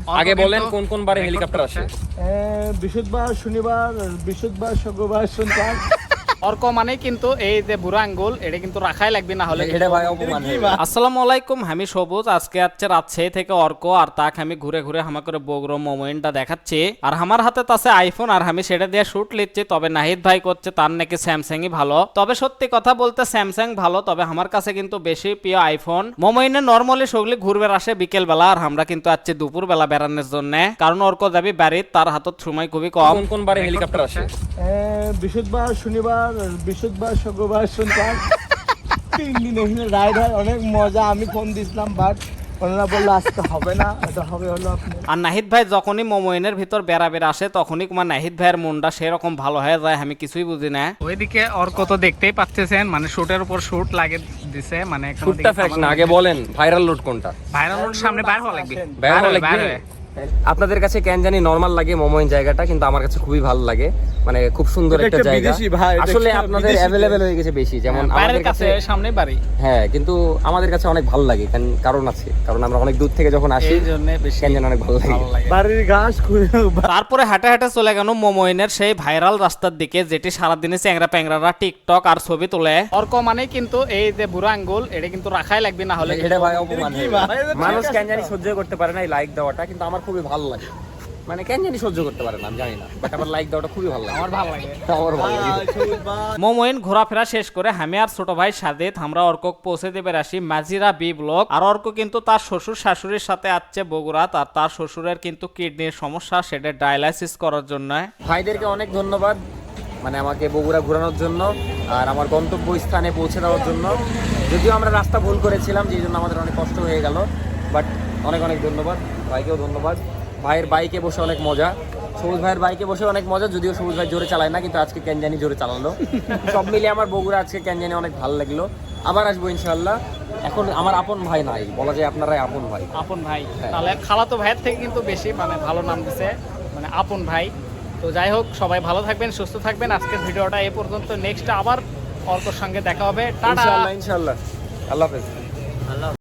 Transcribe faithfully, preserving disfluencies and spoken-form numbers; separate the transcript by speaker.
Speaker 1: আগে বলেন কোন কোন বারে হেলিকপ্টার আসে?
Speaker 2: বৃহস্পতিবার, শনিবার, বৃহস্পতিবার, শুক্রবার, শনিবার।
Speaker 3: অর্ক মানে কিন্তু এই যে বুড়া আঙ্গুল এটা কিন্তু রাখাই লাগবে, না হলে
Speaker 1: এটা ভাই অপমান।
Speaker 3: আসসালামু আলাইকুম, আমি সবুজ। আজকে আছে রাজশাহী থেকে অর্ক, আর তাকে আমি ঘুরে ঘুরে হামা করে বগুড়ো মোমেন্টটা দেখাচ্ছি। আর আমার হাতে আছে আইফোন, আর আমি সেটা দিয়ে শুট লিচ্ছি। তবে নাহিদ ভাই করছে তার নাকি স্যামসাংই ভালো। তবে সত্যি কথা বলতে স্যামসাং ভালো, তবে আমার কাছে কিন্তু বেশি প্রিয় আইফোন। মোমেন্টে নর্মালি সগলি ঘুরবে আসে বিকেল বেলা, আর আমরা কিন্তু আছি দুপুর বেলা বেড়ানোর জন্য, কারণ অর্ক যাবি বাড়ির, তার হাতত সময় খুবই কম।
Speaker 1: কোন কোন বারে হেলিকপ্টার আসে?
Speaker 2: বৃহস্পতিবার, শনিবার, বৃহস্পতিবার, শুক্রবার, শনিবার। তিন দিন এখানে রাইড হয়, অনেক মজা। আমি ফোন দিছিলাম বাট ওনারা বললো আজকে হবে না, এটা হবে হলো আপনি।
Speaker 3: আর নাহিদ ভাই যখনই মোমোইনের ভিতর বেড়াবেড় আসে তখনই কুমার নাহিদ ভাইয়ের মনটা সেরকম ভালো হয়ে যায়, আমি কিছুই বুঝি না। ওইদিকে অর্ক তো দেখতেই পাচ্ছেন, মানে শুটের উপর শুট লাগে দিছে, মানে
Speaker 1: শুটটা ফ্যাক্ট না, আগে বলেন ভাইরাল লোড কোনটা?
Speaker 3: ভাইরাল লোড সামনে বাইর হওয়া লাগবে,
Speaker 1: বাইর হওয়া লাগবে। আপনাদের কাছে কেন জানি নরমাল লাগে মোমোইন জায়গাটা, কিন্তু আমার কাছে খুবই ভালো লাগে। মানে খুব সুন্দর একটা জায়গা। আসলে আপনাদের অ্যাভেলেবেল হয়ে গেছে বেশি, যেমন আমাদের কাছে
Speaker 3: সামনে বাড়ি।
Speaker 1: হ্যাঁ, কিন্তু আমাদের কাছে অনেক ভালো লাগে, কারণ আছে, কারণ আমরা অনেক দূর থেকে যখন আসি
Speaker 3: এই জন্য বেশি
Speaker 1: কেন জানি অনেক ভালো লাগে।
Speaker 2: বাড়ির ঘাস খুঁড়ে।
Speaker 3: তারপরে হাঁটে হাঁটে চলে গেল মোমোইনের সেই ভাইরাল রাস্তার দিকে, যেটি সারাদিনে চ্যাংরা প্যাংরারা টিকটক আর ছবি তোলে। অর্ক মানে কিন্তু এই যে বুড়া আঙ্গুল এটা কিন্তু রাখাই লাগবে, না হলে
Speaker 1: এটা ভাই অপমান। মানুষ কেন জানি সহ্য করতে পারে না এই লাইক দেওয়াটা, কিন্তু আমার খুবই ভালো লাগে। মানে কেন জানি সহ্য করতে পারে না, আমি জানি না, বাট আমার লাইক দেওয়াটা খুবই ভালো লাগে।
Speaker 3: আমার ভালো লাগে,
Speaker 1: আমার ভালো লাগে।
Speaker 3: মোমোইন ঘোরাফেরা শেষ করে আমি আর ছোট ভাই সাদেত আমরা অর্ক পৌঁছে দেবে আসি মাজিরা বি ব্লক। আর অর্ক কিন্তু তার শ্বশুর শাশুড়ির সাথে আসছে বগুড়া, আর তার শ্বশুরের কিন্তু কিডনির সমস্যা, সেটা ডায়ালাইসিস করার জন্য।
Speaker 1: ভাইদেরকে অনেক ধন্যবাদ, মানে আমাকে বগুড়া ঘোরানোর জন্য আর আমার গন্তব্য স্থানে পৌঁছে দেওয়ার জন্য। যদিও আমরা রাস্তা ভুল করেছিলাম, যেই জন্য আমাদের অনেক কষ্ট হয়ে গেল, বাট অনেক অনেক ধন্যবাদ ভাইকেও ধন্যবাদ। ভাইয়ের বাইকে বসে অনেক মজা, সবুজ ভাইয়ের বাইকে বসে অনেক মজা, যদিও সবুজ ভাই জোরে চালায় না, কিন্তু আজকে ক্যানজানি জোরে চালালো। সব মিলিয়ে আমার বগুড়া আজকে ক্যানজানি অনেক ভালো লাগলো। আবার আসবো ইনশাল্লাহ। এখন আমার আপন ভাই নাই, বলা যায় আপনারাই আপন ভাই।
Speaker 3: আপন ভাই, তাহলে খালাতো ভাইয়ের থেকে কিন্তু বেশি মানে ভালো নাম দিছে, মানে আপন ভাই। তো যাই হোক, সবাই ভালো থাকবেন, সুস্থ থাকবেন। আজকের ভিডিওটা এ পর্যন্ত, নেক্সট আবার অর্কর সঙ্গে দেখা হবে। টাটা।
Speaker 1: ইনশাল্লাহ ইনশাল্লাহ। আল্লাহ হাফেজ।